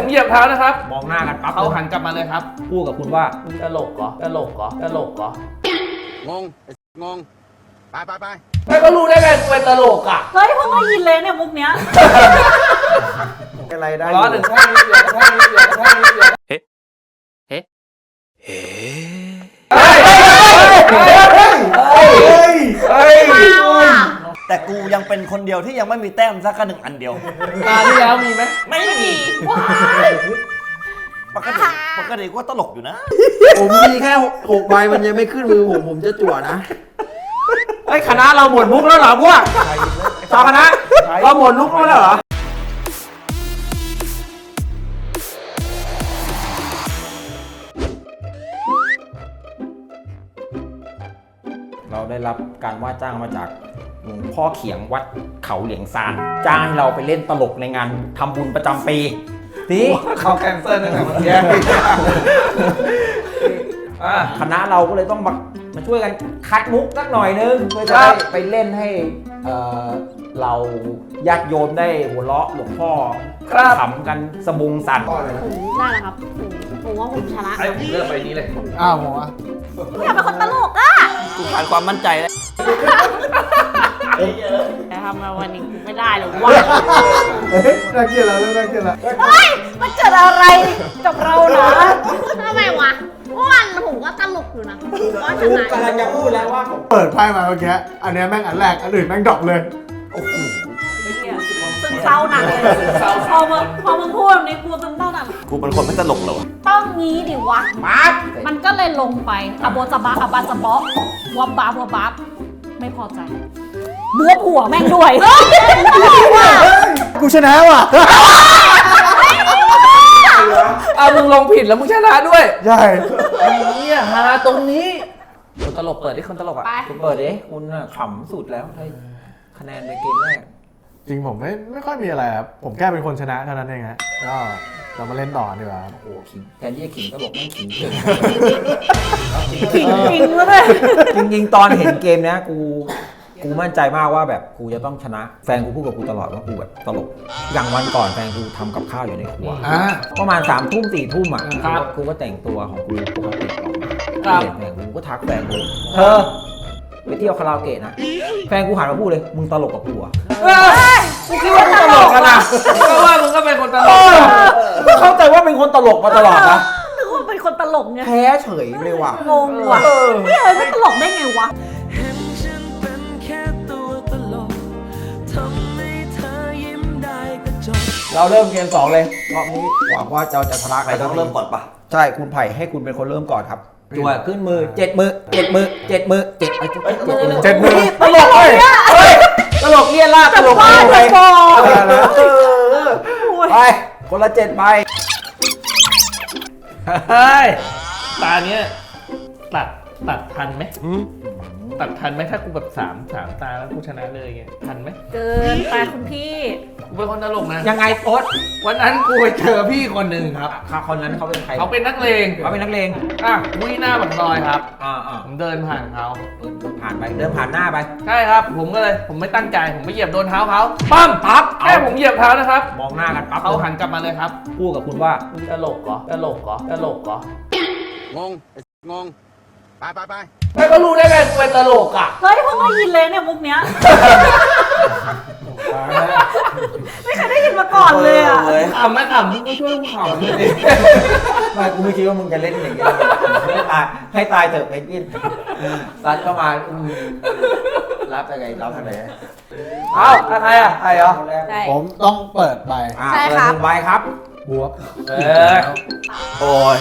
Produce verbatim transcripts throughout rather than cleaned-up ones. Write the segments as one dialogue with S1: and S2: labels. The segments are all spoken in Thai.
S1: ผมเหยียบเท้านะครับ
S2: มองหน้ากันปั๊บ
S1: เขาหันกลับมาเลยครับ
S2: พูดกับคุณว่า
S1: ตลกเหรอตลกเหรอตลกเหรอง
S3: งงงไปไปไป
S1: ไม่ก็รู้ได้ไงกูเป็นตลกอ่ะ
S4: เฮ้ยเพิ่งได้ยินเลยเนี่ยมุกเนี้ย
S2: อะไรได้
S1: ร้อนหนึ่งแค่นี้เดียวแค่นี้เดียวแค่นี้เดียวเฮ้เฮ้เฮ้เฮ้ยเฮ้ย
S5: แต่กูยังเป็นคนเดียวที่ยังไม่มีแต้มสักหนึ่งอันเดียว
S1: ตาที่แล้วมีไหม
S4: ไม่มี
S5: ปกติปกติก็ตลกอยู่นะ
S6: ผมมีแค่หกใบมันยังไม่ขึ้นมือผมผมจะจั่วนะ
S2: ไอ้คณะเราหมดมุกแล้วเหรอพวกชาวคณะเราหมดมุกแล้วเหรอเราได้รับการว่าจ้างมาจากหลวงพ่อเขียงวัดเขาเหลียงซานจ้างให้เราไปเล่นตลกในงานทำบุญประจำปีนี่
S1: เขาแคนเซิลตั้งแต่เมื่อกี้
S2: คณะเราก็เลยต้องมามาช่วยกันคัดมุกสักหน่อยนึงเพื่อจะได้ไปเล่นให้เอ่อเราญาติโยมได้หัวเราะหลวงพ่อขำกันสะบุงสั่น
S4: ผมได้แล้วครับผมผมว่าผมชนะ
S1: ไอ้ผมเลือกไปนี้เลย
S6: อ้าวผมอ่ะ
S4: กูอยากเป็นคนตลกอ่ะ
S5: กูขาดความมั่นใจแล้ว
S4: แต่ทำมาวันนี้กูไม่ได้หรอกวะ
S6: น่าเกลียดแล้วน่าเกลียดแล้ว
S4: เฮ้ยมันเกิดอะไรกับเรานะทำไมวะวันผมก็ตลกอยู่นะก็ชนะ
S2: กำลังจะพูดแล้วว่า
S6: เปิดไพ่มาเมื่อกี้อันนี้แม่งอันแรกอันอื่นแม่งดรอปเลย
S2: โอ้โห
S4: ซึมเศร้าหนักเลยพอมึงพอมึงพูดแบบนี้กูซึมเศร้าหนัก
S5: กูเป็นคนไม่ตลกเหรอ
S4: ต้องงี้ดิวะปั๊บมันก็เลยลงไปอะโบจะบาอะบาจะบอวับบาวับบับไม่พอใจบัวผัวแม่งด้วย
S6: กูชนะว่ะ
S1: เอามึงลงผิดแล้วมึงชนะด้วย
S6: ใช่
S1: เนี่ยฮาตรงนี้คนตลกเปิดดิคนตลกอ่ะ
S2: คุณเปิดดิคุณขำสุดแล้วให้คะแนนในเกมแรก
S6: จริงผมไม่ไม่ค่อยมีอะไรครับผมแค่เป็นคนชนะเท่านั้นเองฮะก็เรามาเล่นต่อดีกว่า
S2: โอ้ขิงแทนที่จะขิงตลกไม่ขิง
S4: ขิงจริงแล้วเลย
S2: จริงๆตอนเห็นเกมนี้กูกูมั่นใจมากว่าแบบกูจะต้องชนะแฟนกูพูดกับกูตลอดว่ากูแบบตลกอย่างวันก่อนแฟนกูทำกับข้าวอยู่ในครัวประมาณสามทุ่มสี่ทุ่มอ่ะกูก็แต่งตัวของกูปกติออกมาแฟนกูก็ทักแฟนกูเธอไปเที่ยวคาราโอเกะนะแฟนกูหันมาพูดเลยมึงตลกกับกูอ่ะ
S1: กูคิดว่ามึงตลกกันนะก็ว่ามึงก็เป็นคนตลก
S2: เข้าใจว่าเป็นคนตลกมาตลอดนะ
S4: นึกว่าเป็นคนตลกไง
S2: แพ้เฉยเลยว่ะ
S4: งงว่ะไม่เอ้ยไม่ตลกได้ไงวะ
S2: เราเริ่มเกมสองเลยรอบนี้หวังว่าเราจะชนะใคร
S5: ต้องเริ่มก่อนปะ
S2: ใช่คุณไผ่ให้คุณเป็นคนเริ่มก่อนครับจั่วขึ้นมือเจ็ดมือเจ็ดมือเจ็ดมือเจ็ดเจ็ดมือตลกเลยตลกเลี่ยนล่าตลกไปไปคนละเจ็ดใบ
S1: เฮ้ยตาเนี้ยตัดตัดทันไหมตัดทันไหมถ้ากูแบบสามสามตาแล้วกูชนะเลยไงทันไหม
S4: เกินไปคุณพี่
S1: กูเป็นคนตลกนะ
S2: ยังไงโอ๊ต
S1: วันนั้นกูไปเจอพี่คนหนึ่งครับ
S2: คนนั้นเขาเป็นใคร
S1: เขาเป็นนักเลง
S2: เขาเป็นนักเลง
S1: อ่ะวิ่งหน้าปากซอยครับ
S2: อ่าอ่า
S1: ผมเดินผ่านเขา
S2: เดินผ่านไปเดินผ่านหน้าไป
S1: ใช่ครับผมก็เลยผมไม่ตั้งใจผมไปเหยียบโดนเท้าเขาปั้มปั๊บแค่ผมเหยียบเท้านะครับ
S2: มองหน้ากันปั๊บ
S1: เขาหันกลับมาเลยครับ
S2: พูดกับคุณว่า
S1: ตลกเหรอตลกเหรอตลกเหร
S3: องงงงไปไปไป
S1: ไม่ก็รู้ได้ไงกูเป็นตลกอ่ะ
S4: เฮ้ยเพิ่งได้ยินเลยเนี่ยมุกเนี้ยไม่เคยได้ยินมาก่อนเลยอ่ะ
S1: ขำไม่ขำมึงก็ช่วยกูขำเลยดิ
S2: ไม่กูไม่คิดว่ามึงจะเล่นอย่างนี้ให้ตายให้ตายเถอะเพนกวินรัดเข้ามารับยังไงรับทางไหน
S1: เอ้าใครอ่ะใครเหรอ
S6: ผมต้องเปิดใบ
S4: ใช่ครับ
S2: ใบครับ
S6: บวก
S1: เออ
S5: โอ้ย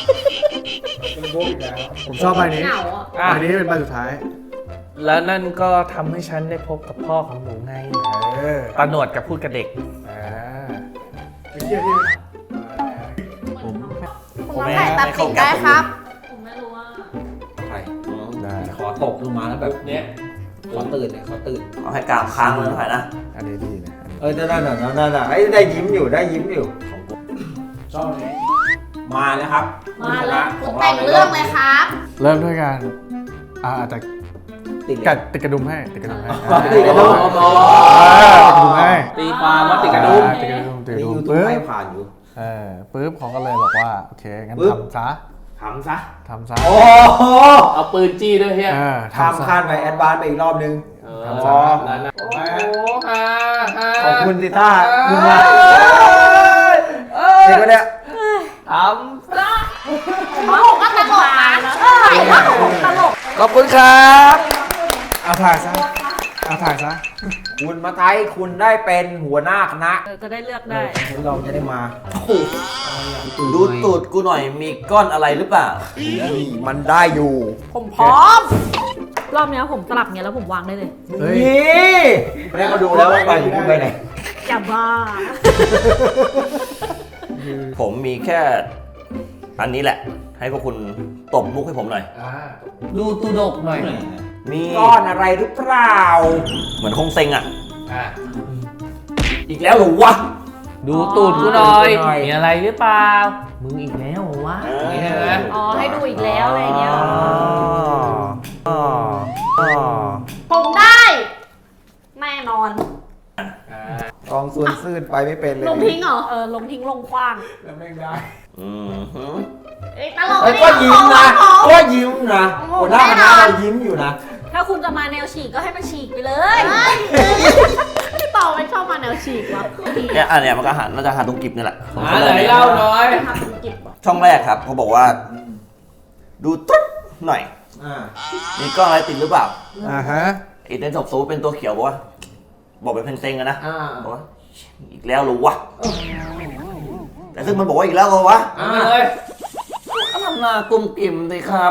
S6: ผมชอบใบนี้ใบนี้เป็นใบสุดท้าย
S1: แล้วนั่นก็ทำให้ฉันได้พบกับพ่อของหนูไงตาหนวดกับพูดกับเด็ก
S4: ผมผมใส่ตัดสินได้ครับผมไม่รู้ว่า
S2: ใครขอตกลงมาแล้วแบบเนี้ยขอตื่นเลยขอตื่น
S5: เอาให้กลางค้างเลยหน่อยนะ
S6: อันนี้ดีนะ
S2: เออนั่นน่ะนั่นน่ะได้ยิ้มอยู่ได้ยิ้มอยู่ชอบนี้มาแล้วครับ
S4: มาแล้วคุณแต่งเรื่องเลยครับ
S6: เริ่มด้วยการอาจจะติดกัดติดกระดุมให้ติดกระดุมให้
S2: ติดกระดุม
S6: ติดกระดุมให้
S1: ตีความว่าติดกระดุม
S6: ติดกระดุมติดกระดุม
S2: ปึ๊บให้ผ่านอยู่
S6: เออปุ๊บเขาก็เลยบอกว่าโอเคงั้น
S2: ปึ๊บ
S6: ทำซะ
S1: ทำซะ
S6: ทำซะ
S2: โอ้โห
S1: เอาปืนจี้ด้วยเฮีย
S6: เออ
S2: ข้าม
S6: ทำซะ
S2: ขั้นไปแอดวานซ์ไปอีกรอบนึง
S1: เออ
S6: ทำซะ
S1: นั่นนะโอ้โหฮ่าฮ่า
S2: ขอบคุณสิท่าคุณมาเด็กคนเนี้ย
S1: ทำซะ
S4: เขาบอกว่าตลกนะเออว่าตลก
S1: ขอบคุณครับ
S6: เอาถ่ายซะเอาถ่ายซะ
S2: คุณมาไทยคุณได้เป็นหัวหน้าคณะ
S4: เออจะได้เลือกได้
S2: เราจะได้มา
S5: ดูตูดกูหน่อยมีก้อนอะไรหรือเปล่า
S2: นี่มันได้อยู่
S4: ผมพร้อม รอบเนี้ยผมสลับเงี้ยแล้วผมวางได้เลย
S6: เฮ้ย
S2: นี่ไม่ได้มาดูแล้วว่าไปอยู่คุณไปไหน
S4: จะบ้า
S5: ผมมีแค่อันนี้แหละ ให้พวกคุณตบมุกให้ผมหน่อย
S1: ดูตูดกหน่อย
S5: มี
S2: ก้อนอะไรหรือเปล่า
S5: เหมือนคงเซ็งอ่ะ
S1: อ่ะ
S5: อีกแล้วเหรอวะ
S1: ดูตูดกูหน่อย
S2: ดูหน่อย
S1: มีอะไรหรือเปล่า มึงอีกแล้วเหรอวะอย่างนี้ใช่ไหม
S4: อ๋อให้ดูอีกแล้วอะไรเงี้ย
S2: อ๋ออ๋ออ๋อ
S4: ผมได้ แน่นอน
S2: กองส่วนซื่นไปไม่เป็นเลย
S4: ลงทิ้งเหรอ เออ ลงทิ้งลงคว้าง
S2: แล้วไม่ได้
S5: อืมฮึ
S4: เอ้ยตลก
S2: เอ้ยก็ยิ้มนะก็ยิ้มนะหัวหน้าคณะเรายิ้มอยู่นะ
S4: ถ้าคุณจะมาแนวฉีกก็ให้มันฉีกไปเลยพี่เปาไม่ชอบมาแนวฉีกว่ะ
S5: เนี่ยอันเนี้ยมันก็หันน่าจะหันตรงกิบนี่แหละ
S1: หาไหนเล่าหน่อย
S4: ทำเป็นกิบว่ะ
S5: ช่องแรกครับเขาบอกว่า ดูตุ๊ดหน่อย
S2: อ่า
S5: มีก้อนอะไรติดหรือเปล่า
S6: อ่าฮะ
S5: ไอ้เต้นศพซูเป็นตัวเขียวบอกว่า บอกเป็นเพนเซ็งอะนะ
S2: อ่า
S5: บอกว่าอีกแล้วเหรอวะแต่ซึ่งมันบอกว่าอีกแล้วเหรอวะ
S1: เอามาเลย
S5: ก็ทำหน้ากุ้มกิ่มสิครับ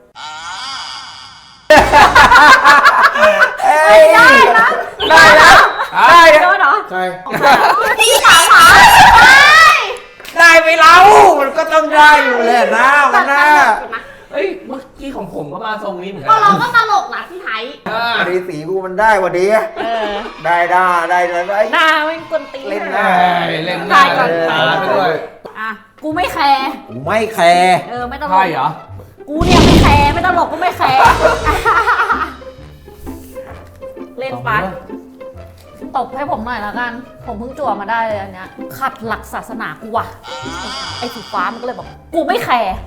S4: ได้นะ
S2: ได้นะได้นะ
S4: โดนเหรอ
S2: ใช่
S4: พี่สาวหา
S2: ได้ไปเรามันก็ต้องได้อยู่แหละนะมันนะ
S1: เฮ้ย เมื่อกี้ของผมก็มาทรงนี้เหมือนกั
S4: ก็เราก็ตลกนะพี่ไทย
S1: อ่า
S2: อันนี้สีกูมันได้กว่าดี
S4: เออ
S2: ได้ได้ได้ได้ได้
S4: หน้าไม่กวนตีน
S2: เล่นหน้า
S1: เล่นหน้าเล่นตาไปด้วย
S4: อ่ะ กูไม่แคร์
S2: กูไม่แคร์
S4: เออ ไม่ตลก
S1: ใช่เหรอ
S4: กูเนี่ยไม่แคร์ไม่ตลกก็ไม่แคร์เล่นไปตบให้ผมหน่อยแล้วกัน ผมเพิ่งจั่วมาได้เลยอันเนี้ยขัดหลักศาสนากูว่ะ ไอ้สีฟ้ามันก็เลยบอก กูไม่แคร์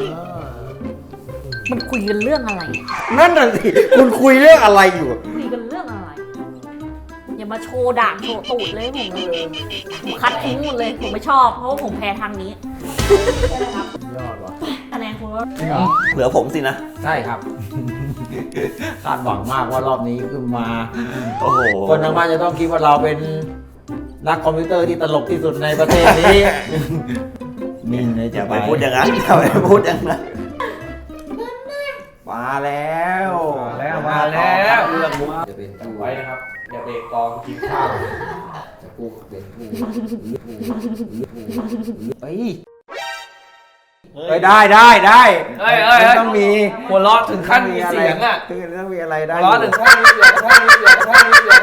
S4: มันคุยกันเรื่องอะไร
S2: นั่นน่ะสิคุณคุยเรื่องอะไรอยู่
S4: คุยกันเรื่องอะไร อย่ามาโชว์ด่างโชว์ตูดเลยผมผมคัดทิ้งหมดเลย ผมไม่ชอบ เพราะว่าผมแพ้ทางนี้
S2: ยอดว่ะ
S4: คะแนนคุณว่า
S6: จริงเหรอ
S5: เหลือผมสินะ
S2: ใช่ครับ คาดหวังมากว่ารอบนี้ขึ้นมา
S5: โอ้โห
S2: คนทั้งบ้านจะต้องคิดว่าเราเป็นนักคอมพิวเตอร์ที่ตลกที่สุดในประเทศนี้ นิ่งเลย
S5: อ
S2: จะ
S5: ย่าไปพูดอย่างนั้นอย่าไปพูดอย่างนั้น
S2: มาแล้ว
S1: มาแล้วมาแล้ว
S2: เรื่องมุกจะเป็นกู
S1: ไว้นะครับ อย่าเบรกกองกินข้าว
S2: จะกูเป็นกูเฮ้ยเฮ้ยได้ได้ได้
S1: เฮ้ยเฮ้ย
S2: มันต้องมี
S1: หัวเราะถึงขั้นมีเสียงอ่ะ
S2: ตื่นต้องมีอะไรได้
S1: หัวเราะถึงขั้นมีเสียงขั้นมีเสียงขั้นมีเสียง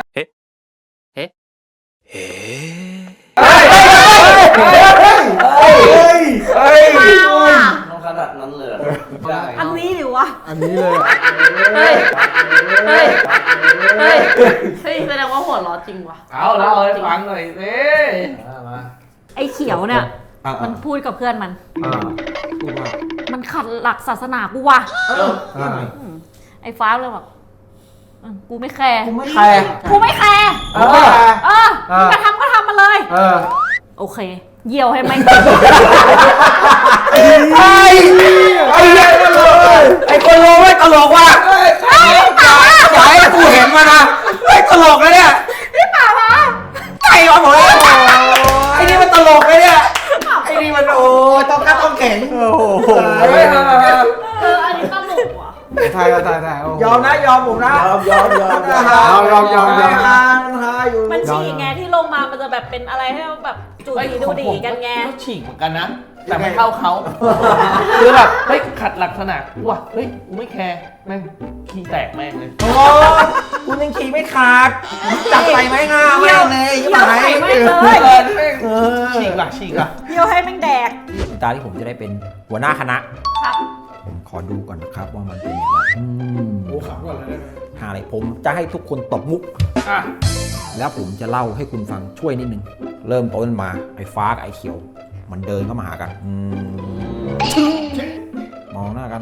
S2: เฮ้ยเฮ้ยเฮ้ย
S4: มาว่ะ
S5: ต้องขนาดนั้นเลยเหรอ
S1: ได้
S4: อันนี้หรือวะ
S6: อันนี้เลย
S4: เฮ้ย เฮ้ย เฮ้ย เฮ้ยแสดงว่าหัวเร้อจริงว่ะ
S1: เอาเล่าให้ฟังหน่อยสิ
S6: มามา
S4: ไอ้เขียวเนี่ย
S2: อ่ะ
S4: มันพูดกับเพื่อนมัน
S2: อ่าพูดว่า
S4: มันขัดหลักศาสนากูว่ะ
S2: อ่า
S4: อืมไอ้ฟ้าเลยบอกอืมกูไม่แคร์
S2: กูไม่แคร์
S4: กูไม่แคร์
S2: เออ
S4: เออมึงจะทำก็ทำมาเลย
S2: เออ
S4: โอเค เยี่ยวให้แม่ง
S2: ไอ้ไอ้ไอ้คนโลไอ้คนโลไม่ตลกว่ะอย่าให้กูเห็นมานะไอ้ตลกนะเนี่ย
S4: พี่ป่าวะ
S2: ไอ้วะผมไอ้นี่มันตลกเลยเนี่ยไอ้นี่มันโอ้ต้องกระต้องแข็งโอ้โห
S4: เออ อันนี้ตลกว่ะ
S6: ถ่ายถ่ายถ่ายโอ้โห
S2: ยอมนะยอมผมนะยอมยอมยอม
S6: ยอมยอมยอม
S2: ฮาอยู่
S4: มันฉีกไงที่ลงมา มันจะแบบเป็นอะไรให้แบบจูดีดูดีกันไง
S1: ก็ฉีกเหมือนกันนะ แต่ไม่เท่าเขาคือแบบเฮ้ยขัดหลักษณะว่ะเฮ้ยกูไม่แคร์แม่งขี้แตกแม่งเลย
S2: โอ้คุณยังขี่ไม่ขาดจับใส่ไม้งามไม่เลย
S4: เยี่ยวใส่ไม่เลย
S1: เออแม่งฉีกว่ะฉีกว่ะ
S4: เยี่ยวให้แม่งแดก
S2: ตาที่ผมจะได้เป็นหัวหน้าคณะ
S4: ครับ
S2: ผมขอดูก่อนนะครับว่ามันเป็นยังไงอืม
S6: โอ้ขับก่อนเลยได้ไหม
S2: หาอะไรผมจะให้ทุกคนตบมุก
S1: อ่ะ
S2: แล้วผมจะเล่าให้คุณฟังช่วยนิดนึง เริ่มต้นมาไอ้ฟ้ากับไอ้เขียวมันเดินเข้ามาหากันอืมมองหน้ากัน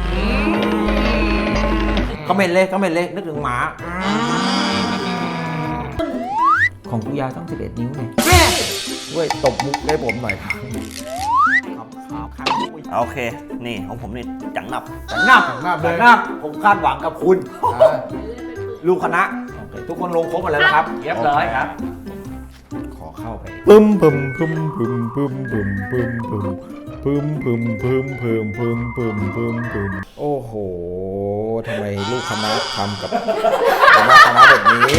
S2: คอมเมนต์เลยคอมเมนต์เลยนึกถึงหมาของกูยาวต้องสิบเอ็ดนิ้วไงเว้ยตบมุกได้ผมหน่อยครับครับครับครับ
S5: โอเค นี่ของผมนี่จังหนับ
S2: จังงับ
S6: จังงับเลย
S2: จังงับผมคาดหวังกับคุณ ลูกคณะโอเคทุกคนลงครบหมดแล้วนะครับ
S1: เรียบร้อยครับ
S2: ขอเข้าไป
S6: ปึ้มปึ้มปึ้มปึ้มปึ้มปึ้มปึ้มปึ้มปึ้มปึ้มปึ้มปึ้มปึ้มปึ้มปึ้มปึ้ม
S2: โอ้โหทำไมลูกคณะทำกับคณะคณะแบบนี้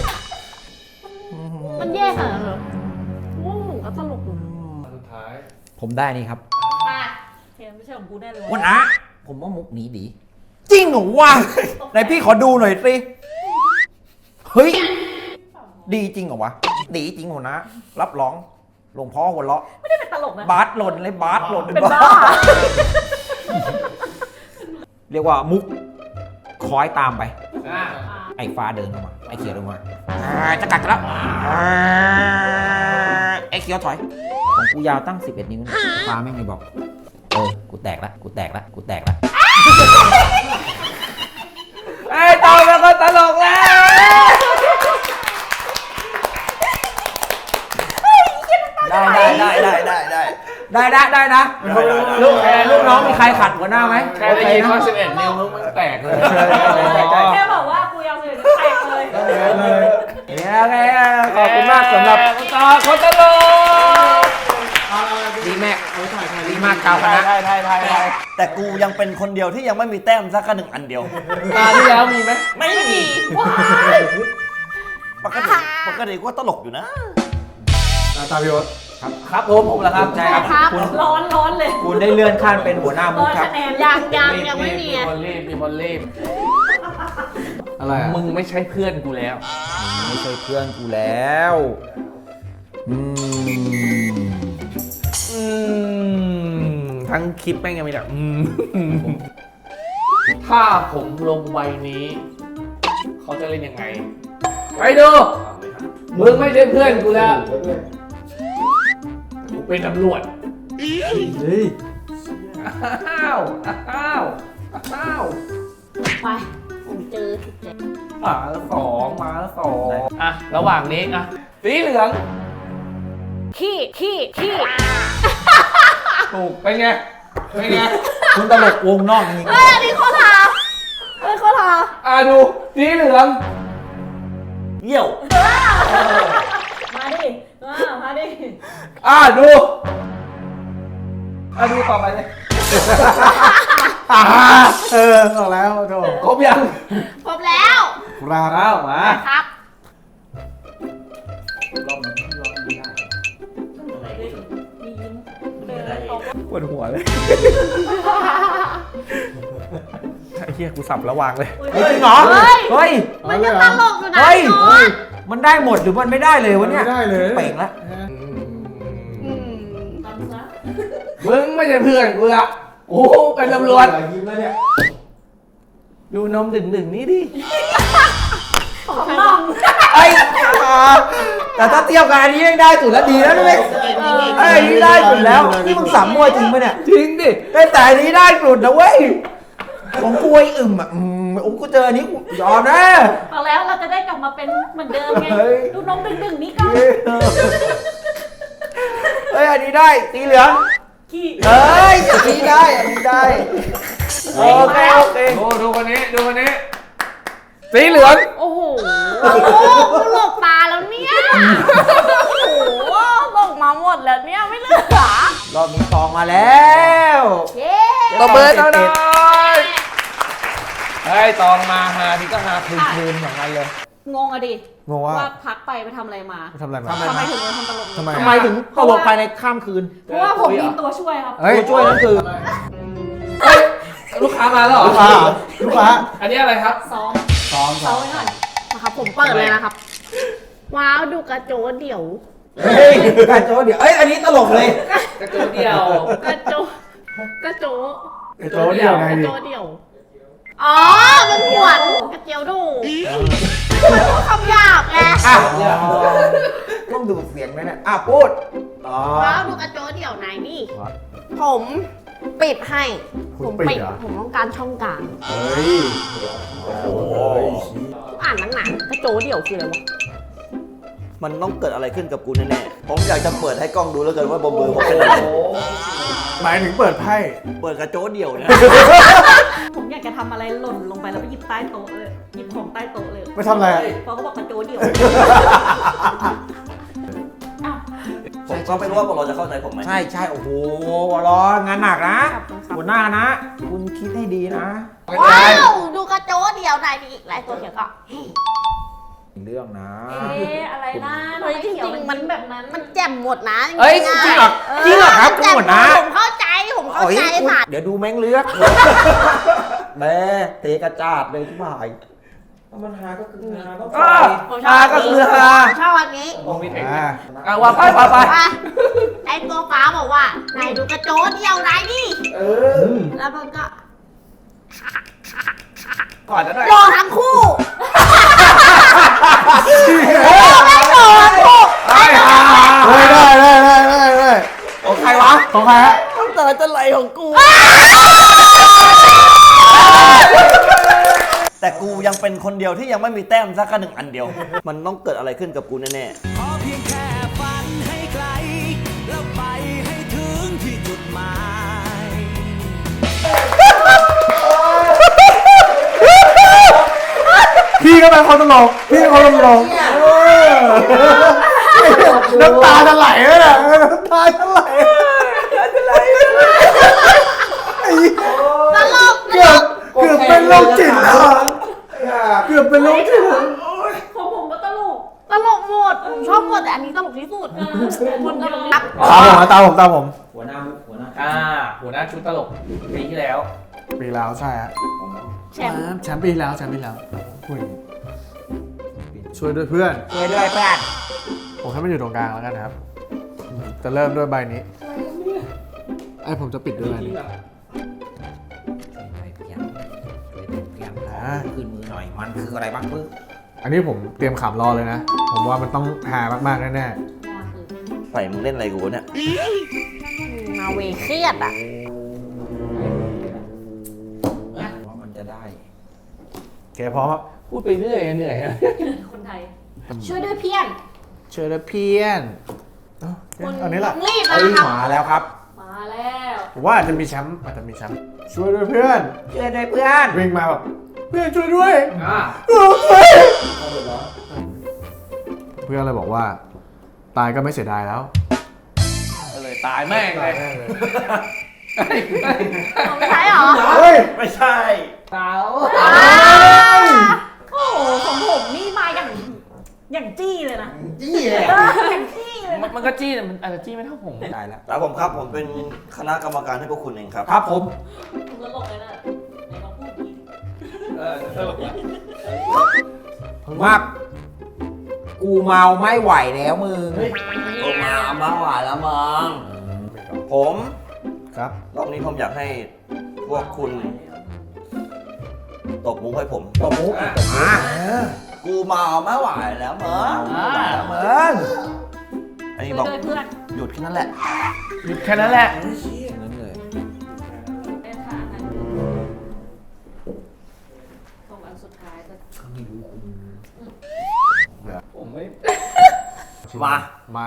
S4: มันแย่ขนาดนั้นเหรอโอ้โหก็ตลกอยู่
S6: สุดท้าย
S2: ผมได้นี่ครับ
S4: มาเทมไม่ใช่ของกูแน่เลย
S2: วันนะผมว่ามุกนี้ดี จริงเหรอวะไหนพี่ขอดูหน่อยสิเฮ้ยดีจริงเหรอวะดีจริงหัวนะรับรองหลวงพ่อหัวเราะ
S4: ไม่ได้เป็นตลกนะ
S2: บาสหล่นเลยบาสหล่น
S4: เป็นบ้า
S2: เรียกว่ามุกคอยตามไป
S1: อ่า
S2: ไอ้ฟ้าเดินเข้ามาไอ้เขียวเดินมาอ่าจะกัดกันแล้วอ่าไอ้เขียวถอยของกูยาวตั้งสิบเอ็ดนิ้วนะฟ้าไม่งไม่บอกเออกูแตกละกูแตกละกูแตกละ
S1: ไอ้ตอนมันก็ตลกแล้ว
S2: ได้ได้ได้ได้ได้ได้ได้ได้นะ
S5: ได้ได้ได้
S2: ลูกลูกน้องมีใครขัดหัวหน้าไหม
S1: แค่ได้ยินว่าสิบเอ็ดนิ้วมึงมันแตกเลย
S4: แค่บอกว่ากูยาวเลยแตกเลย
S2: เนี่ยไงขอบคุณมากสำหรับ
S1: ต่อคนตลก
S2: ดีแม็กดีมากกาวคณะ
S1: ไทยไทยไทยไทย
S5: แต่กูยังเป็นคนเดียวที่ยังไม่มีแต้มสักหนึ่งอันเดียว
S1: ตาที่แล้วมีไหม
S5: ไม่มี
S4: ว้าย
S5: ปกติปกติก็ตลกอยู่นะ
S6: ตามพี่โอ๊ต
S2: ครับครับผมผมแล้วครับใช่ครับ
S4: ครับ
S2: คุณ
S4: ร้อนร้อนเลย
S2: คุณได้เลื่อนขั้นเป็นหัวหน้ามุ
S4: ร้
S2: ก
S4: อน
S2: ครับ
S4: คะแนนยังยังยังไม่มี
S1: มีคนรีบมีคนรีบ
S6: อะไรอ่ะ
S1: มึงไม่ใช่เพื่อนกูแล้ว
S2: ไม่ใช่เพื่อนกูแล้วอืม
S1: อืมทั้งคลิปแม่งยังไม่ได้อืมถ้าผมลงใบนี้ เขาจะเล่นยังไง ไปดู มึงไม่ใช่เพื่อนกูแล้วกูเป็นตำรวจ
S6: เฮ้ย
S1: อ้าว อ้าว อ้าว
S4: ไปผมเจอถูกใจ
S1: มาแล้วสองมาแล้วสองอ่ะ ระหว่างนี้อ่ะ สีเหลือง
S4: ขี้ขี้ขี้
S1: ถูก เป็นไง เป็นไง
S2: คุณตลกวงนอกจริง
S4: เฮ้ยอันนี้เขาทาเฮ้ยเขาทา
S1: อ่ะดู สีเหลือง
S5: เยี่ยว
S4: มาดิมามาดิ
S1: อ่ะดู อ่ะดูต่อไปเลย
S6: อ่าเออออกแล้วโถ
S1: ครบยัง
S4: ครบแล้ว
S6: ครับ
S1: อ้าวมา
S4: ครับ
S1: ปวดหัวเลยไอ้เหี้ยกูสับระวางเลย
S2: จริงเหรอ
S4: เฮ้ย
S2: เฮ้ย
S4: มันยังตลกอยู่นะ
S2: เฮ้ย
S4: น้อง
S2: มันได้หมดหรือมันไม่ได้เลยวะเนี่ย
S6: ไม่ได้เลย
S2: เป่งละ
S4: อืมทำซะ
S1: มึงไม่ใช่เพื่อนกูละกูเป็นตำรวจ
S6: ยิ้มแล้วเนี่ย
S1: ดูนมดึงๆนี้ดิ
S4: ของน้อง
S2: ไอ้อ่าแต่ถ้าเทียบกับอันนี้ยังได้สุดแล้วดีแล้วด้วยไอ้อันนี้ได้สุดแล้วนี่มึงสามมวยจริงปะเนี่ย
S1: จริงดิ
S2: แต่แต่อันนี้ได้สุดนะเว้ยของกูไอ้อึมอ่ะอืมโอ้กูเจออันนี้กูยอมนะ
S4: เอาแล้วเราจะได้กลับมาเป็นเหมือนเดิมไง
S2: เฮ้ย
S4: ดูน้องดึงๆนี้กัน
S2: เฮ้ยอันนี้ได้สีเหลือง
S4: ขี้
S2: เฮ้ยอันนี้ได้อันนี้ได้โอเคโอเค
S1: ดูดูคนนี้ดูคนนี้สีเหลือง
S4: โอ้โหโอ้โหกูหลบตาแล้วเนี่ยโอ้โหหลบมาหมดแล้วเนี่ยไม่เหลือ
S2: รอบนี้ตองมาแล้ว
S4: เย้
S1: ตบมือหน่อยเฮ้ยตองมาหาทีก็หาคืนคืนอย่างนั้นเลย
S4: งงอะดิ
S6: งงว่า
S4: ว่าพักไปไปทำอะไรมา
S6: ทำอะไรมา
S4: ทำไมถึงมาทำตลก
S6: ทำไม
S2: ทำไมถึงตลกภายในข้ามคืน
S4: เพราะว่าผมมีตัวช่วยครับ
S6: เฮ้ย
S2: ตัวช่วยนั่นคือ
S1: เฮ้ยลูกค้ามาแล้วเหรอ
S6: ลูกค้าลูกค้า
S1: อันนี้อะไรครับ
S4: ซ้อม
S6: ซ้อม
S4: ซ้อมไว้หน่อยนะครับผมเปิดเลยนะครับ ว้าวดูกระโจนเดี่ยว
S2: เฮ้ยการโจ้เดี๋ยวเอ้ยอันนี้ตลกเลย
S1: กระจุเดียว
S4: กระโจกระโจ
S6: ไอ้โจ้เดียวไง
S4: กระ
S6: ดิ
S4: โจเดี่ยวอ๋อมันหวนกระเจียวดูมันพูดคำหยาบไง
S2: อ่ะ
S6: อ๋อ
S2: ก็ต้องดูดเสียงไหมเนี่ยอ่ะพูดอ๋อ
S7: ว้าวดูกระโจนเดี่ยวไหนนี่ ผมปิดให้
S6: คุณ
S7: ผม
S6: ปิดเหรอ
S7: ผมต้องการช่องกลาง
S6: เฮ้ย
S5: โอ้โห
S7: อ่านหนังๆกระโจนเดี่ยวคืออะไรวะ
S5: มันต้องเกิดอะไรขึ้นกับกูแน่ๆ ผมอยากจะเปิดให้กล้องดูแล้วกันว่าบนมือผมเป็นอะไร
S6: หมายถึงเปิดไพ่
S5: เปิดกระโจนเดี่ยวเนี่ย
S4: ผมอยากจะทำอะไรหล่นลงไปแล้วไปหยิบใต้โต๊ะเลย หยิบของใต้โต๊ะเลย
S6: ไม่ทำอะไรอะ
S4: เพราะเขาบอกกระโจนเดี่ยวอ้าว
S5: ผมก็ไม่รู้ว่าพวกเราจะเข้าใจผมไหม
S2: ใช่ใช่โอ้โหร้อนงานหนักนะ
S4: ขอบคุณครับ
S2: หัวหน้านะ คุณคิดให้ดีนะ
S7: ว้าวดูกระโจนเดี่ยวไหนนี่ลายตัวเขียวก็
S2: เรื่องนะ
S4: เอ๊ะอะไรนะ
S7: เฮ้ยจริงๆมันแบบนั้นมันแจ่มหมดนะ
S2: เอ้ยจริงเหรอจริงเหรอครับ
S7: แจ่ม
S2: หมดนะ
S7: ผมเข้าใจผมเข้าใจ
S2: โอ้ยคุณ
S7: ค่ะ
S2: เดี๋ยวดูแม่งเลือกแม่เทกระจาดเลยทุกบ่ายถ้ามันหาก็คือหาต้อง
S1: อ่า
S7: ผมชอบ
S2: หาก็คือหา
S7: ผมชอบอันนี้
S1: มึงมีเทคนิ
S6: อ่า
S1: คอ่ะว่าไปว่าไป
S7: ว่าไอ้ตัวฟ้าบอกว่าไหนดูกระโจนเดี่ยวไหนนี่
S2: เออ
S7: แล้วมันก็
S1: ก่อนจะได้
S7: โดนทั้งคู่โอ้ไม่โดนทั้งคู่
S6: เฮ้ยได้ได้ได้ได้ได้
S2: ของใครวะ
S6: ของใครฮะ
S5: น้ำตาจะไหลของกู แต่กูยังเป็นคนเดียวที่ยังไม่มีแต้มสักหนึ่งอันเดียว มันต้องเกิดอะไรขึ้นกับกูแน่
S8: ขอเพียงแค่ฝันให้ไกล แล้วไปให้ถึงที่จุดหมาย
S6: พี่ก็เป็นคนตลกพี่เป็นคนตลกเออน้ำตาจะไหลเลยนะน้ำตาจะไหล
S7: ตลก
S6: เกือบเกือบเป็นโรคจิตแล้วอะเกือบเป็นโรคจิตแล้ว
S4: ของผมก็ตลก
S7: ตลกหมดผมชอบหมดแต่อันนี้ตลกที่สุดคนตลกนับ
S6: ตามผมนะตามผมตามผม
S2: หัวหน้ามุกหัวหน้า
S1: อ่าหัวหน้าชุดตลกปีที่แล้ว
S6: ปีแล้วใช่ฮะ
S7: แชมป์
S6: แชมป์ปีแล้วแชมป์ปีแล้วพูดอย่างนี้ช่วยด้วยเพื่อน
S2: ช่วยด้วยเพื่อน
S6: ผมให้มันอยู่ตรงกลางแล้วกันนะครับ จะเริ่มด้วยใบนี้ไอ้ผมจะปิดด้วยใบนี้
S2: ช่วยด้วยเพื่อนช่วยด้วยเพื่อน
S6: อ่า
S2: ขึ้นมือหน่อยมันคืออะไรบ้างปึ๊บ
S6: อันนี้ผมเตรียมขำรอเลยนะ ผมว่ามันต้องหามากๆแน่
S5: ๆใส่มึงเล่นอะไรกูเนี่ย
S7: มาเวเครียดอ่ะ
S2: ว่ามันจะได้
S6: ๆแกพร้อมครับ
S1: พูดไปเรื่อยเหนื่อยอะ
S4: คนไทย
S7: ช่วยด้วยเพี้ยน
S6: เชิญนะเพี้ยนเอ้า
S7: คุณ
S6: อันนี้แหละ
S7: ต้องรีบ
S2: เอ้ย
S7: นะครับ
S2: มาแล้วครับ
S4: มาแล้ว
S6: ผมว่าอาจจะมีแชมป์อาจจะมีแชมป์ช่วยด้วยเพื่อน
S2: ช่วยด้วยเพื่อน
S6: วิ่งมาแบบเพื่อนช่วยด้วย
S1: อ่า
S6: เพื่อนเลยบอกว่า ตายก็ไม่เสียดายแล้ว
S1: ก็เลยตายแม่งเลย
S7: ไม่ใช่เหรอ
S6: เฮ้ย
S5: ไม่ใช่
S1: ตาย
S4: โอ้โหของผมนี่มาอย่างอย่างจี้เลยนะ
S2: จี้เลย
S4: เอออย่างจี้เลย
S1: มันมันก็จี้แต่มันอาจจะจี้ไม่เท่าผม
S2: ได้แล้ว
S5: แล้วผมครับผมเป็นคณะกรรมการให้พวกคุณเองครับ
S2: ครับผม
S4: ผมตลกเลยนะไหนลองพูดดี
S1: เออตลกละ
S2: มากกูเมาไม่ไหวแล้วมึง
S5: โอมามาหวานแล้วมังผม
S6: ครับ
S5: รอบนี้ผมอยากให้พวกคุณตบมุกให้ผม
S2: ตบมุกอ่ะมา
S5: กูเมาไม่ไหวแล้วมึง
S1: อ่า
S2: มึง
S5: อันนี้
S4: ช่
S5: บ
S4: ว
S5: อย ก
S4: ด้วยเพื่อน
S5: หยุดแค่นั้นแหละ
S1: หยุดแค่นั้นแหละ
S2: นั่นเลย
S4: เล่นขานั้นส่งอันสุดท้ายจะ
S1: ผมไม่
S5: มา
S6: มา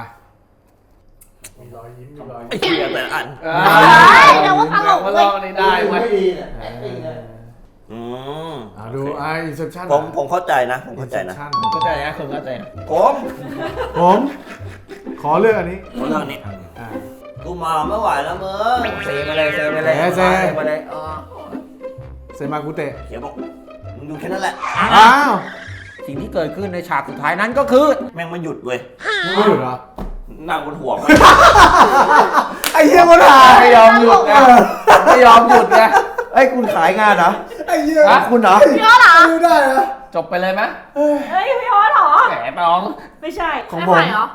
S5: ไอ้เหี้ยแต่ละอัน
S7: เดี๋ยวว่าตลก
S1: มา
S7: เว้
S1: ล
S7: ย
S1: องในได้เว้ย
S5: อืม
S6: อ่าดูไออินเซปชั่น
S5: ผมผมเข้าใจนะ ผมเข้าใจนะ
S1: เข้าใจนะคุณเข้าใจนะ
S5: ผม
S6: ผม ขอเลือกอันนี้
S5: คนเรื่องนี้
S6: อ่า
S5: กูเมาไม่ไหวแล้วมึง
S2: เซมาเลยเซมาเลย
S6: เซเซ
S2: มาเลยเออ
S6: เซมากุเตะ
S5: เขียวบอกมึงอยู่แค่นั้นแหละ
S6: อ้าว
S2: สิ่งที่เกิดขึ้นในฉากสุดท้ายนั้นก็คือ
S5: แม่งไม่หยุดเว้ย
S6: ไม่หยุดเหรอ
S5: นั่งบนหัวมัน
S6: ไอ้เหี้ยคนหาย
S1: ไม่ยอมหยุดไงไม่ยอมหยุดไง
S2: ไอ้ยคุณขายงานเหรอ
S6: ไอ้เหี้ย
S2: ของคุณเหรอ
S7: พี่อ้อเหรอ
S6: ไม่ได้เหรอ
S1: จบไปเลยไหม
S4: เฮ้ยพี่ออสเหรอ
S1: แหมน้อง
S4: ไม่ใช่
S6: ของ
S7: ไม่
S6: ผ
S7: ไหว
S6: ม
S7: เหรอ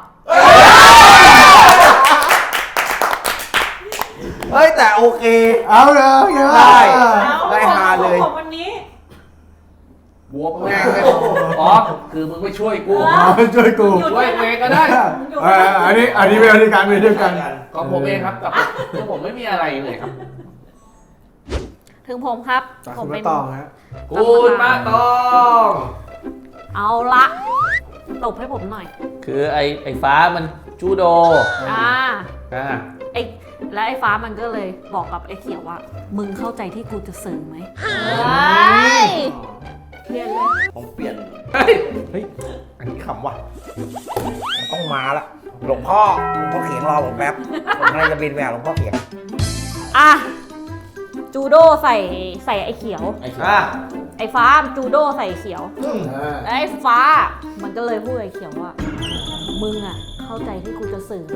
S2: เฮ้ยแต่โอเค
S6: เอาเลยเอาเลย
S2: ได้
S4: เอา
S2: ได้ฮาเลย
S4: ของวันนี้
S1: บวกแม่งเลยอ๋อคือมึงไม่ช่วยกู
S6: อ๋อช่วยกู
S1: ช่วยเองก็ได้
S6: เอออันนี้อันนี้เป็นวิธีการเป็นด้วยกัน
S1: ก็ผมเองครับแต่คือผมไม่มีอะไรเลยครับ
S4: ถึงผมครับ
S6: จาก
S4: ผม
S6: คุณ
S4: เป็น
S6: มาตองฮะ
S1: คุณมาตอง
S4: เอาละตบให้ผมหน่อย
S1: คือไอ้ไอ้ฟ้ามันจูโด
S4: อ่า
S1: อ่า
S4: ไอ้แล้วไอ้ฟ้ามันก็เลยบอกกับไอ้เขียวว่า มึงเข้าใจที่กูจะสื่อไหมเฮ้ยเรียนเลย
S5: ผมเปลี่ยน
S1: เฮ้ย
S2: เฮ้ย
S1: อันนี้ขำว่ะ
S2: ต้องมาละหลวงพ่อหลวงพ่อเขียงรอผมแป๊บผมกำลังจะบินไปหาหลวงพ่อเขียง
S4: อ่ะจูโดใส่ใส่ไอ้เขียว
S2: ไอ้เขียว
S1: อ่า
S4: ไอ้ฟ้าจูโดใส่ไอ้เขียว
S6: อ่า
S4: แล้วไอ้ฟ้ามันก็เลยพูดกับไอ้เขียวว่า มึงอ่ะเข้าใจที่กูจะสื่อไหม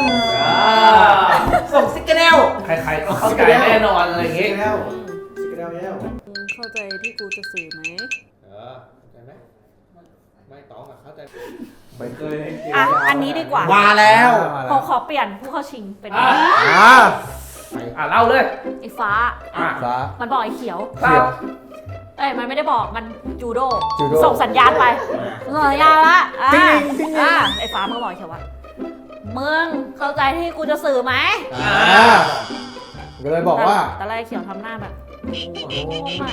S2: ส่งซิกเกอร์เนล
S1: ใครๆก็เข้าใจแน่นอนอะไรอย่างงี้
S6: แล้วสิกระเดาแล้ว
S4: มึงเข้าใจที่กูจะสื่อไหม
S1: เออเข้าใจไหมไม่ตองอะเข้าใจ
S6: ไม่เคย
S4: อ่ะอันนี้ดีกว่า
S2: มาแล้ว
S4: ขอขอเปลี่ยนผู้เข้าชิงเป็น
S1: อ่ะ
S6: อ่า
S1: อ่ะเล่าเลย
S4: ไอ้ฟ้า
S1: อ่ะ
S6: ฟ้า
S4: มันบอกไอ้เขียว
S6: เขียว
S4: เอ้ยมันไม่ได้บอกมันจูโด
S6: จูโด
S4: ส่งสัญญาณไปส่งสัญญาณละอ่า
S6: ติ๊งติ๊งติ๊ง
S4: อ่าไอ้ฟ้ามันก็บอกไอ้เขียวว่ามึงเข้าใจที่กูจะสื่อไหม
S6: อ่าก็เลยบอกว่า
S4: แต่แรกเขียวทำหน้าแบบโอ้ไม่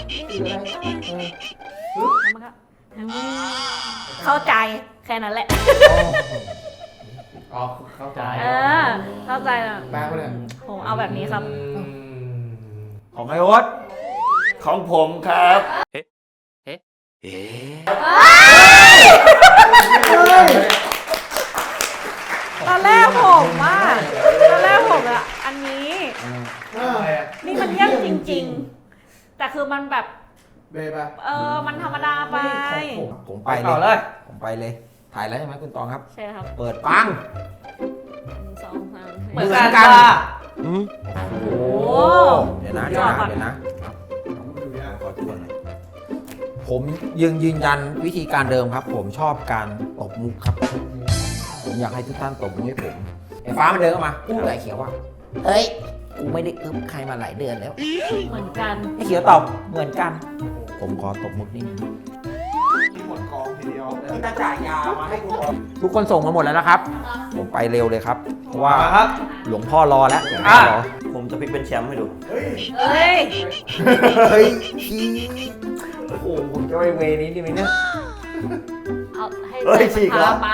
S4: แล้วมันก็เข้าใจแค่นั้นแหละ
S1: อ๋อเข้าใจ
S4: เออ เข้าใจแล้ว
S6: แปลว่าเนี่ย
S4: ผมเอาแบบนี้ครับ
S1: อืม
S2: ของไอ้โอ๊ต
S5: ของผมครับ
S4: ตอนแรกผมว่าตอนแรกผมอะอันนี้ นี่มันยากจริง ๆ แต่คือมันแบบ
S6: เบย์ปะ
S4: เออ มันธรรมดาไป
S2: ผมไป
S1: ต่อ
S2: เล
S1: เลย ย
S2: ผมไปเลย ถ่ายแล้วใช่ไหมคุณตองครับ
S4: ใช่ครับ
S2: เปิดปัง
S4: หนึ่งสองสาม
S1: เหมื
S4: สี่
S1: อน
S2: เหมือนกั
S1: กัน
S2: น
S1: ค่ะ
S2: โอ้
S4: โอ้
S2: เดี๋ยวนะเดี๋ยวนะเดี๋ยวนะขอทวนหน่อยผมยังยืนยันวิธีการเดิมครับ ผมชอบการตบมุกครับ ผมอยากให้ทุกท่านตบมุกให้ผมไอ้ฟ้ามันเดินเข้ามาพูดกับไอ้เขียวว่า เฮ้ย กูไม่ได้อึ๊บใครมาหลายเดือนแล้ว
S4: เหมือนกัน
S2: ไอ้เขียวตอบเหมือนกัน ผมขอตบมุกนิดนึง
S6: หมดกองทีเดียว
S2: ตาจ่ายยามาให้กูทุกคนส่งมาหมดแล้วนะครับ ผมไปเร็วเลยครับ เพราะว่า
S1: มาครับ
S2: หลวงพ่อรอแล้วหลวงพ่
S1: อ่ะ
S2: อรอ
S5: ผมจะพลิกเป็นแชมป์ให้ดู
S4: เฮ้ย
S2: เฮ้ยพี่โอ้โหผมจะไปเวนี้ดีไหมเนี่ย
S4: เอาให้
S2: เฮ้ย
S4: ใจ
S2: ฉีก
S4: มัน
S2: เหรอ
S4: พาไป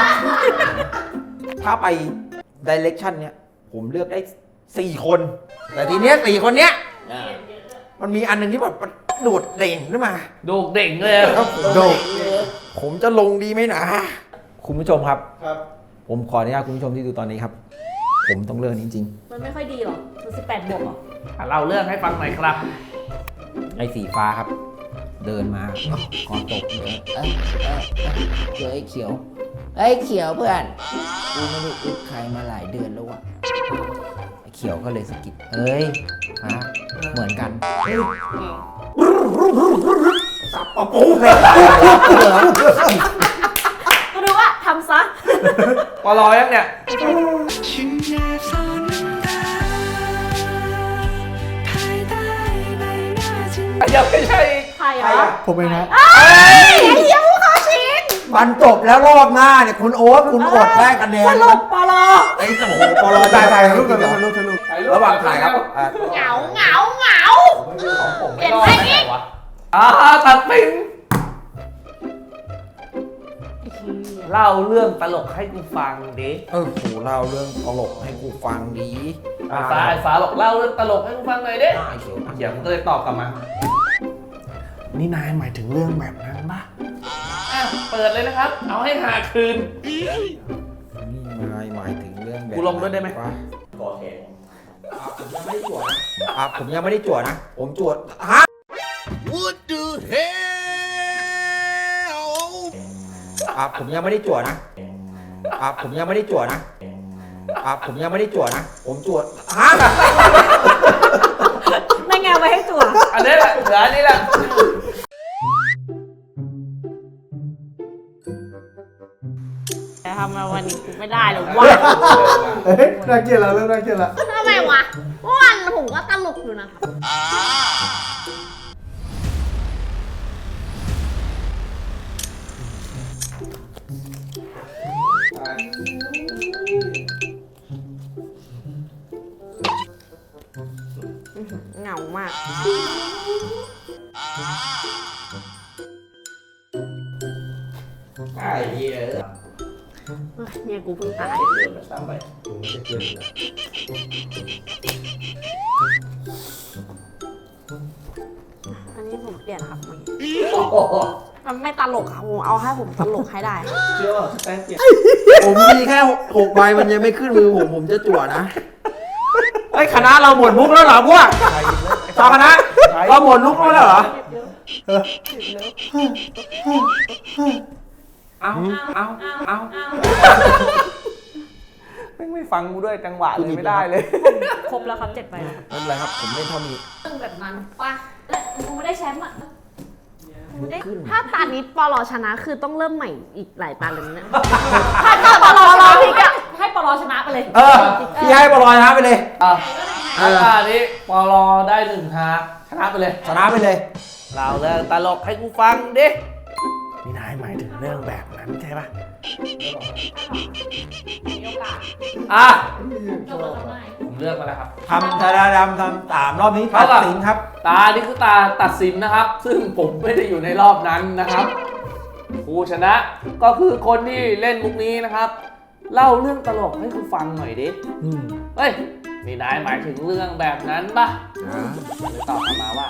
S2: ถ้าไปดิเรกชันเนี้ยผมเลือกได้สี่คน แต่ทีเนี้ยสี่คนเนี้ยมันมีอันหนึ่งที่แบบมันโดดเด่นขึ้นมา
S1: โดกเด่งเลยอะ
S2: โดดผมจะลงดีไหมนะ คุณผู้ชมครับ
S6: ครับ
S2: ผมขออนุญาตคุณผู้ชมที่ดูตอนนี้ครับ ผมต้องเลือกนี้จริง
S4: มันไม่ค่อยดีหรอมันสิบแปดบวกหรอ
S1: อ่ะเล่าเรื่องให้ฟังหน่อยครับ
S2: ๆไอ้สีฟ้าครับ เดินมาขอตบเลยเอ้ยเอ้ยเจอไอ้เขียวไอ้เขียวเพื่อนกูไม่ได้อึดใครมาหลายเดือนแล้ววะไอ้เขียวก็เลยสะกิดเอ้ยฮะเหมือนกันสับปะปูเลย
S4: ก็ดูว่าทำซะ
S1: ปลอยังเนี่ยยังไม่ใช่
S4: ใครอ่ะ
S6: ผมเองนะ
S4: เอ้ยไอ้เหี้ยผู้เข้าชิง
S2: มันจบแล้วรอบหน้าเนี่ยคุณโอ๊ตคุณอดได้คะแนน
S4: สรุปปลอ
S2: ไอ้โอ้โหปลอ
S6: ถ่ายถ่าย
S2: รู
S6: รู
S2: ป
S6: ป
S2: กั
S6: กัน น
S2: เหรอ
S6: รูปถ่ายรูป
S2: ระหว่างถ่ายครับอ่ะ
S7: เหงาเหงาเหงา
S1: เปลี่ยนเพลงนี้อ่าตัดสินเล่าเรื่องตลกให้กูฟังดิ
S2: เออโหเล่าเรื่องตลกให้กูฟังดี
S1: ไอ้ฟ้าไอ้ฟ้าบอกเล่าเรื่องตลกให้กูฟังหน่อยดิ
S2: ไอ้เขียว
S1: เดี๋ยวมันก็เลยตอบกลับมา นี่นายหมายถึงเรื่องแบบนั้นปะอ่ะเปิดเลยนะครับ เอาให้หาคืน
S2: นี่นายหมายถึงเรื่องแบบ
S1: กูลงด้วยได้ไหม
S2: วะ
S5: ก่อแทง
S2: อ่ะผมยังไม่ได้จวดนะผมจวดฮะ
S3: What the hell
S2: อ่ะผมยังไม่ได้จวดนะอ่ะผมยังไม่ได้จวดนะอ่ะผมยังไม่ได้จวดนะผมจวดฮะ
S4: นั่นไงเอาไว้ให้จั่ว
S1: อันนี้แหละเหลืออันนี้แหละ
S4: แต่ทำมาวันนี้กูไม่ได้หรอกวะ
S6: เฮ้ยน่าเกลียดละเริ่มน่าเกลียดละ
S7: ทำไมวะเมื่อวานผมก็ตลกอยู่นะครับเหงามาก
S1: ไอ้เหี้ย
S7: เนี่ยกูเพิ่งตาย
S1: เดินมาซ้ำไป
S7: อันนี้ผมเปลี่ยนครับมันไม่ตลกครับผมเอาให้ผมตลกให้ได้
S1: เชื่อว่าแป้งเปลี่ยน
S2: ผมมีแค่หกใบมันยังไม่ขึ้นมือผมผมจะจั่วนะไอ้ยคณะเราหมดมุกแล้วเหรอพวกชาวคณะเราหมดมุกแล้วเหรอเอาเอาเอา
S6: ไม่ไม่ฟังกูด้วยจังหวะเลยไม่ได้เลย
S4: ครบแล้วครับเจ็ดใบแล้วครับ
S2: ไม่เป็นไรครับผมเล่นเท่านี้
S4: เรื่องแบบนั้นป่ะกูไม่ได้แชมป์อ่ะ
S7: ถ้าตานี้ปลอชนะคือต้องเริ่มใหม่อีกหลายตาเลยนะ
S4: ถ้าเกิดปลอชนะพี่ก็ให้ปลอชนะไปเลย
S2: เออพี่ให้บอลอยนะไปเลย
S1: อ่ะถ้าตานี้ปอลอได้หนึ่งฮาชนะไปเลย
S2: ชนะไปเลย
S1: เราเรื่องตลกให้กูฟังดินี่นายหมายถึงเรื่องแบบนั้นใช่ปะอ่ะผมเลือกมาแล้วครับ
S2: ทำธาดาดำทำสามรอบนี้ตัดสินครับ
S1: ตานี่คือตาตัดสินนะครับ ซึ่งผมไม่ได้อยู่ในรอบนั้นนะครับผู้ชนะก็คือคนที่เล่นมุกนี้นะครับ เล่าเรื่องตลกให้กูฟังหน่อยดิ
S2: อืม
S1: เฮ้ยนี่นายหมายถึงเรื่องแบบนั้นปะเลยตอบกลับมาว่า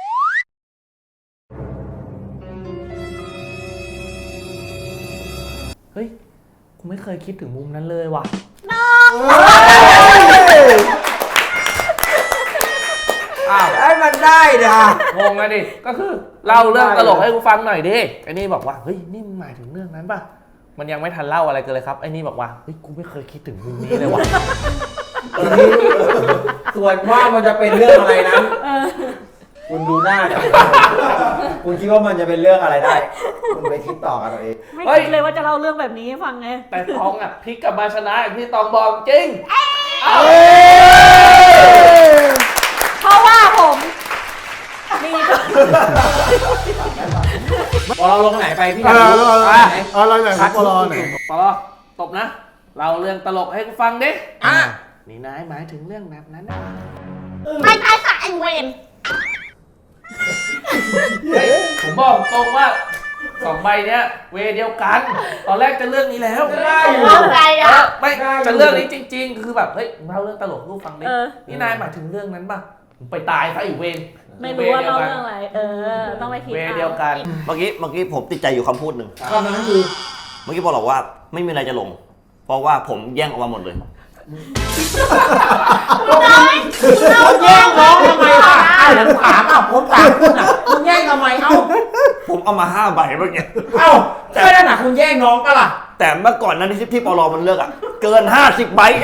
S1: เฮ้ยกูไม่เคยคิดถึงมุมนั้นเลยว่ะ
S2: อ้าวไอ้มันได้เด้อง
S1: งอะดิ ก็คือเล่าเรื่องตลกให้กูฟังหน่อยดิ ไอ้นี่บอกว่า เฮ้ย นี่มึงหมายถึงเรื่องนั้นป่ะ มันยังไม่ทันเล่าอะไรกันเลยครับ ไอ้นี่บอกว่า เฮ้ย กูไม่เคยคิดถึงมุมนี้เลยว่ะ
S2: ทีนี้ส่วนว่ามันจะเป็นเรื่องอะไรนั้นคุณดูหน้าดิคุณคิดว่ามันจะเป็นเรื่องอะไรได้ คุณไปคิดต่อกันเอาเอง
S4: ไม่
S1: เฮ้ย
S4: คิดเลยว่าจะเล่าเรื่องแบบนี้ให้ฟังไง
S1: แต่ตองอ่ะพลิกกลับมาชนะอย่างที่ตองบอกจริง
S4: เพราะว่าผมมี
S2: พอเราลงไหนไปพี่
S6: เออเออ
S2: อ่ะ
S6: เออเราไหนครับปลอไหน
S1: ปอตบนะ เราเรื่องตลกให้กูฟังดิ
S2: อ่ะ
S1: นี่นายหมายถึงเรื่องแบบนั้นนะ
S7: ไม่ตายสายเวน
S1: เฮ้ยผมบอกตรงว่าสองใบเนี้ยเวเดียวกัน ตอนแรกจะเรื่องนี้แล้ว
S2: ได้อยู่
S7: เรื่องอะไร
S1: เอ
S7: อ่ะ
S1: อไม่จะเรื่องนี้จริง ๆ คือแบบเฮ้ยเล่าเรื่องตลกให้กูฟังดิ
S4: เออ
S1: นี่นายหมายถึงเรื่องนั้นป่ะมึงไปตายซะอีกเวร
S4: ไม่รู้ว่าเล่าเรื่องอะไร เออ ต้องไปคิด
S1: เวร
S4: เอา
S1: เดียวกัน
S5: เมื่อกี้เมื่อกี้ผมติดใจอยู่คำพูดหนึ่ง
S2: คำนั้นคือ
S5: เมื่อกี้บอกว่าไม่มีอะไรจะลง เพราะว่าผมแย่งออกมาหมดเลย
S2: คุณแย่งน้องทำไมล่ะอ้าวผมถามอ่ะผมถามคุณอ่ะคุณแย่งทำไมเอ้า
S5: ผมเอามาห้าใบเมื่อกี้
S2: เอ้าใช่แล้วนะคุณแย่งน้องก็ล่ะ
S5: แต่เมื่อก่อนนั้นที่ที่ปลอมันเลือกอ่ะ เกินห้าสิบใบเอง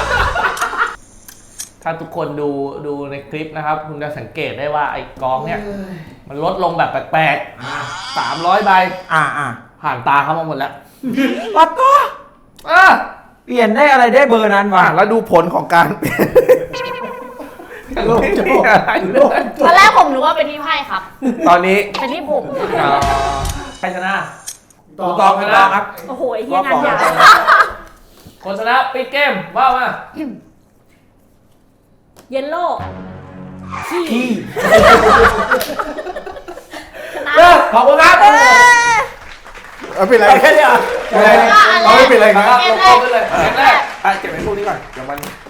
S1: ถ้าทุกคนดูดูในคลิปนะครับ คุณจะสังเกตได้ว่าไอ้กองเนี่ย มันลดลงแบบแปลกๆสามร้อยใบ
S2: อ่าอ่า
S1: ผ่านตาเข้ามาหมดแล้ว
S2: ปัดก็
S1: อ่ะ
S2: เปลี่ยนได้อะไรได้เบอร์นั้นวะ
S1: แล้วดูผลของการเปลี่ยนยังไม่มีอะไรเลย
S7: ตอนแรกผมนึกว่าเป็นที่ไพ่ครับ
S1: ตอนนี้
S7: เป็นที่ผม
S1: เอ่อใครชนะ
S2: ต่อต่อกันต่อครับ
S4: โอ้โหไอ้เหี้ยงานยาว
S1: คนชนะปิดเกมว่ามา
S4: เยลโล่
S2: ขี้
S4: ชนะ
S2: เลิกขอบคุณครับ
S6: เอาเป็นไร
S2: แค่นี้อ่ะ
S6: เป็นไรเอาไม่เป็นไร
S1: แล้ว
S6: นะ
S1: ก็ลงกล้องไปเลยเกมแรกอ่ะเก็บไว้พวกนี้ก่อนเดี๋ยวมัน